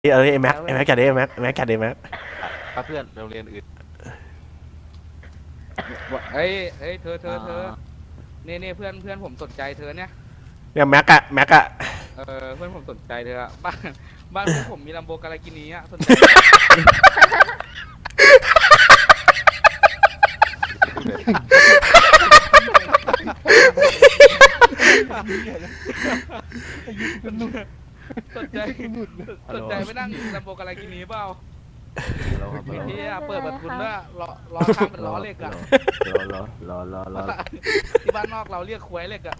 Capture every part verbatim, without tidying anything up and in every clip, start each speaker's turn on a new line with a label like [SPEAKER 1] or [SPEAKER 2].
[SPEAKER 1] เออไอ้แม็กไอ้แม็กจัดดิไอ้แม็กไอ้แม็กจัดดิแม็ก
[SPEAKER 2] ถ้าเพื่อนโรงเรียนอื่น
[SPEAKER 3] เฮ้ยเฮ้ยเธอเธอเธอเนี่ยเนี่ยเพื่อนเพื่อนผมสนใจเธอเนี่ย
[SPEAKER 1] เนี่ยแม็กอะแม็กอะ
[SPEAKER 3] เออเพื่อนผมสนใจเธออะบ้านบ้านพวกผมมีลัมโบการากินีอะสนใจสนใจสนใจไม่นั่งลัมโบการากินีเปล่าพี่ที่เปิดประทุนด้วยล้อล้อข้างเป็นล้อเหล็กอะ
[SPEAKER 2] รอรอรอรอรอ
[SPEAKER 3] ที่บ้านนอกเราเรียกควยเหล็กอะ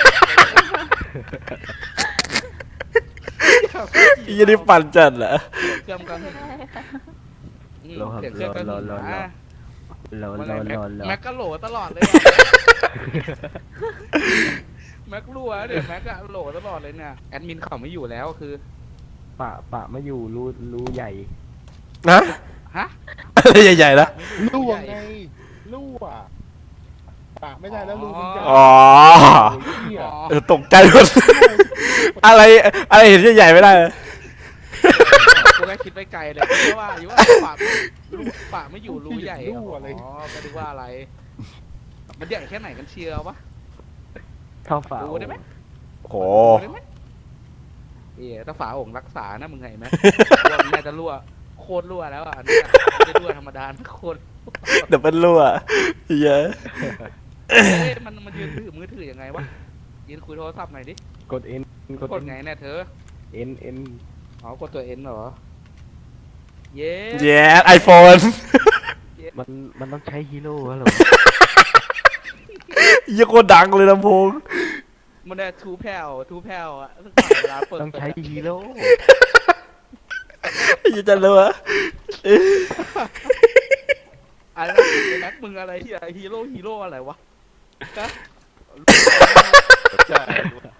[SPEAKER 1] ยี่นี่ปั่นจัดเหรอ
[SPEAKER 3] เครื่องกัน
[SPEAKER 2] รอรอรอรอรอรอรอรอรอ
[SPEAKER 3] แม็กก็โหลตลอดเลยแม็กรั่วเดี๋ยวแม็กก็โหลตลอดเลยเนี่ยแอดมินเขาไม่อยู่แล้วคือ
[SPEAKER 2] ปะปะไม่อยู่รูรูใหญ่
[SPEAKER 1] นะ
[SPEAKER 3] ฮะ
[SPEAKER 1] อะไรใหญ่ๆนะ
[SPEAKER 4] รั่วไงรั่วปากไม่ได้แล้วรูมันใหญ่
[SPEAKER 1] อ๋อเออตกใจหมดอะไรอะไรเห็นใหญ่ๆไม่ได้
[SPEAKER 3] กูแค่คิดไปไกลเลยเพราะว่าอยู่ว่าปากรูปากไม่อยู่รูใหญ่อ๋อก็ดูว่าอะไรมันใหญ่แค่ไหนกันเชียววะ
[SPEAKER 2] เท่าฝา
[SPEAKER 3] ดูได้ไหม
[SPEAKER 1] โอ้
[SPEAKER 3] เอ๋ถ้าฝาโอ่งรักษานะมึงไงไหมรั่วน่าจะรั่วโคตรรั่วแล้วอ่ะนี่จะรั่วธรรมดาโคตร
[SPEAKER 1] เดี๋ยวเป็นรั่วเยอะ
[SPEAKER 3] มันมันยืนถือมือถือยังไงวะยืนคุยโทรศัพท์หน่อยดิ
[SPEAKER 2] กดเอ็น
[SPEAKER 3] กดไงเนี่ยเธอ
[SPEAKER 2] เอ็นเอ็น
[SPEAKER 3] อ๋อกดตัวเอ็นเหรอเย้
[SPEAKER 1] เย้ไอโฟน
[SPEAKER 2] มันมันต้องใช้ฮีโร่เหรอ
[SPEAKER 1] ยี่โคตรดังเลยลำโพง
[SPEAKER 3] มันได้ทูแผ่วทูแผ่วอ่ะ
[SPEAKER 2] ต้องใช้ฮีโร่
[SPEAKER 1] ยี่จะรู้อะ
[SPEAKER 3] อะไรแม็กมึงอะไรที่ฮีโร่ฮีโร่อะไรวะฮะ
[SPEAKER 2] ใช่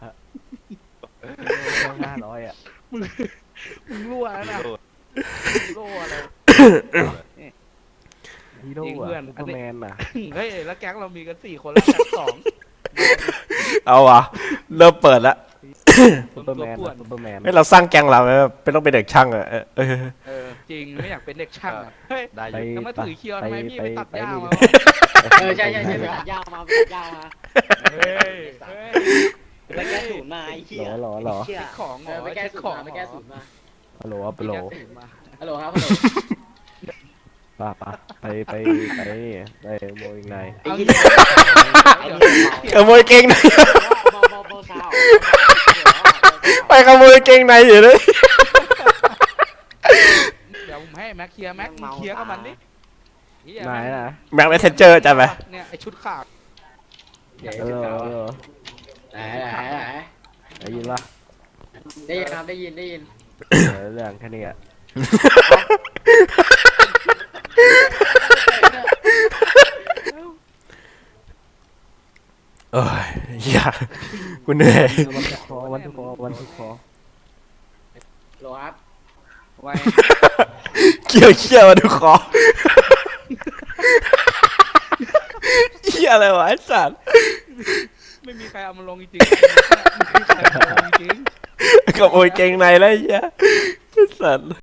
[SPEAKER 2] ห้าร้อยอ่ะ
[SPEAKER 3] มึงมึงรั่วนะฮีโร่อะไร
[SPEAKER 2] ฮีโร่เพื่อนซูเปอร์แมนอ่ะ
[SPEAKER 3] เฮ้ยแล้วแก๊งเรามีกันสี่คนแล้วแก๊งสอง
[SPEAKER 1] เอาวะเริ่มเปิดแล้ว
[SPEAKER 2] ซูเปอร์แมนซูเปอร์แมน
[SPEAKER 1] ให้เราสร้างแก๊งเราไหมเป็นต้องเป็นเด็กช่างอะเออ
[SPEAKER 3] เออจริงไม่อยากเป็นเด็กช่างอ่ะเฮ้ยทำไมถือเคียวทำไมพี่ไปตัดหญ้ามา
[SPEAKER 5] เออใช่ใช่ใช่ไปตัดหญ้ามาไปตัดหญ้ามา
[SPEAKER 3] เฮ้ย
[SPEAKER 5] ไปแก้ศูนย์มาไอ้เหี้ย
[SPEAKER 2] หรอหรอ
[SPEAKER 3] เช็คของเหรอ
[SPEAKER 5] ไปแก้ศูนย์มาไปแก้ศูนย์มา
[SPEAKER 2] ฮัลโหลฮัลโหล
[SPEAKER 5] ฮัลโหลครับฮัลโหล
[SPEAKER 2] ป่ะป่ะไปไปไปไปโมยไง
[SPEAKER 1] ขโมยเก่งในไปขโมยเก่งในอยู่เลย
[SPEAKER 3] เดี๋ยวผมให้แม็กเคลียร์แม็กเคลียร์กับมันดิ
[SPEAKER 2] ไหนนะ
[SPEAKER 1] แม็กเมสเซนเจอร์จำไหม
[SPEAKER 3] เนี่ยไอชุดขาด
[SPEAKER 2] เออเออ
[SPEAKER 5] ไหนไหนไหน
[SPEAKER 2] ได้ยินปะ
[SPEAKER 5] ได้ยินครับได้ยินได้ยิน
[SPEAKER 2] เรื่องแค่นี้อ่ะ
[SPEAKER 1] เอ้ยอย่ากูเหนื่อย
[SPEAKER 2] วันทุกคอวันทุกคอวันทุกคอ
[SPEAKER 5] โหลครับ
[SPEAKER 3] ไว
[SPEAKER 1] เกี่ยวเกี่ยววันทุกคอเหี้ยอะไรวะไอ้สัตว์
[SPEAKER 3] ไม่มีใครเอามาลงจริงๆไม่มีใครเอามาลงจริง
[SPEAKER 1] ขโมยเก่งในแล้วไอ้เหี้ยไอ้สัตว์